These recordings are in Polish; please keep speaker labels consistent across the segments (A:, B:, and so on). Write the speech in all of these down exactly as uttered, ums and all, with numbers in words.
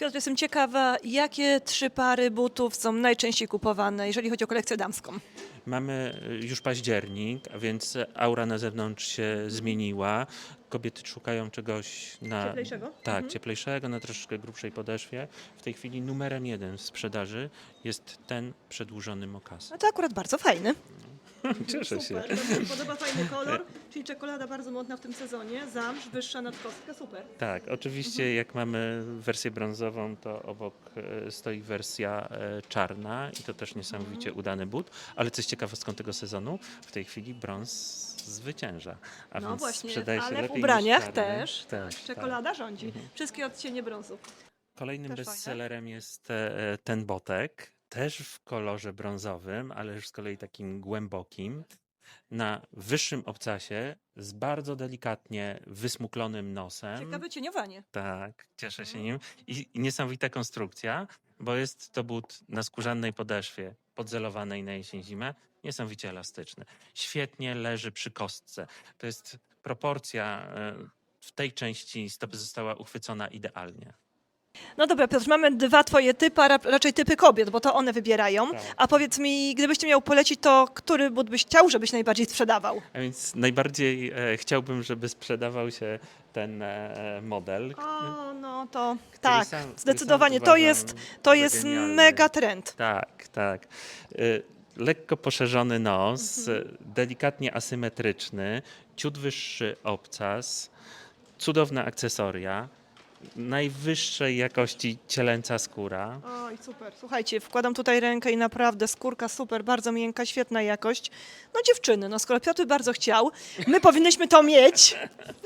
A: Piotr, jestem ciekawa, jakie trzy pary butów są najczęściej kupowane, jeżeli chodzi o kolekcję damską?
B: Mamy y, już październik, a więc aura na zewnątrz się zmieniła. Kobiety szukają czegoś na
A: Cieplejszego?
B: tak,
A: Mhm.
B: cieplejszego, na troszeczkę grubszej podeszwie. W tej chwili numerem jeden w sprzedaży jest ten przedłużony mokas.
A: No to akurat bardzo fajny.
B: Cieszę się.
A: Super, to mi się podoba, fajny kolor, czyli czekolada bardzo modna w tym sezonie, zamrz, wyższa nadkostka, super.
B: Tak, oczywiście jak mamy wersję brązową, to obok e, stoi wersja e, czarna i to też niesamowicie udany but, ale coś ciekawostką tego sezonu, w tej chwili brąz zwycięża, a
A: No
B: więc
A: właśnie,
B: sprzedaje się
A: ale w
B: lepiej niż
A: ubraniach
B: czarny.
A: też
B: Tak,
A: czekolada rządzi.
B: Mhm.
A: Wszystkie odcienie brązu.
B: Kolejnym
A: Też fajne.
B: bestsellerem jest e, ten botek, też w kolorze brązowym, ale już z kolei takim głębokim, na wyższym obcasie, z bardzo delikatnie wysmuklonym nosem.
A: Ciekawe cieniowanie.
B: Tak, cieszę się nim. I, I niesamowita konstrukcja, bo jest to but na skórzanej podeszwie, podzelowanej na jesień-zimę, niesamowicie elastyczny. Świetnie leży przy kostce. To jest proporcja e, w tej części stopy została uchwycona idealnie.
A: No dobra, Piotr, mamy dwa twoje typy, a ra- raczej typy kobiet, bo to one wybierają.
B: Tak.
A: A powiedz mi, gdybyś ty miał polecić, to który but byś chciał, żebyś najbardziej sprzedawał?
B: A więc najbardziej e, chciałbym, żeby sprzedawał się ten e, model.
A: O, no to tak,
B: sam- który
A: zdecydowanie.
B: sam
A: To
B: uważam
A: jest, to
B: za
A: jest
B: genialny.
A: mega trend.
B: Tak, tak. Y, Lekko poszerzony nos,
A: Mhm.
B: y, delikatnie asymetryczny, ciut wyższy obcas, cudowne akcesoria, najwyższej jakości cielęca skóra.
A: Oj, super. Słuchajcie, wkładam tutaj rękę i naprawdę skórka super, bardzo miękka, świetna jakość. No dziewczyny, no skoro Piotr bardzo chciał, my powinnyśmy to mieć,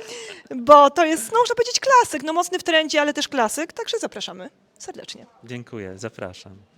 A: bo to jest, no można powiedzieć, klasyk. No mocny w trendzie, ale też klasyk, także zapraszamy serdecznie.
B: Dziękuję, zapraszam.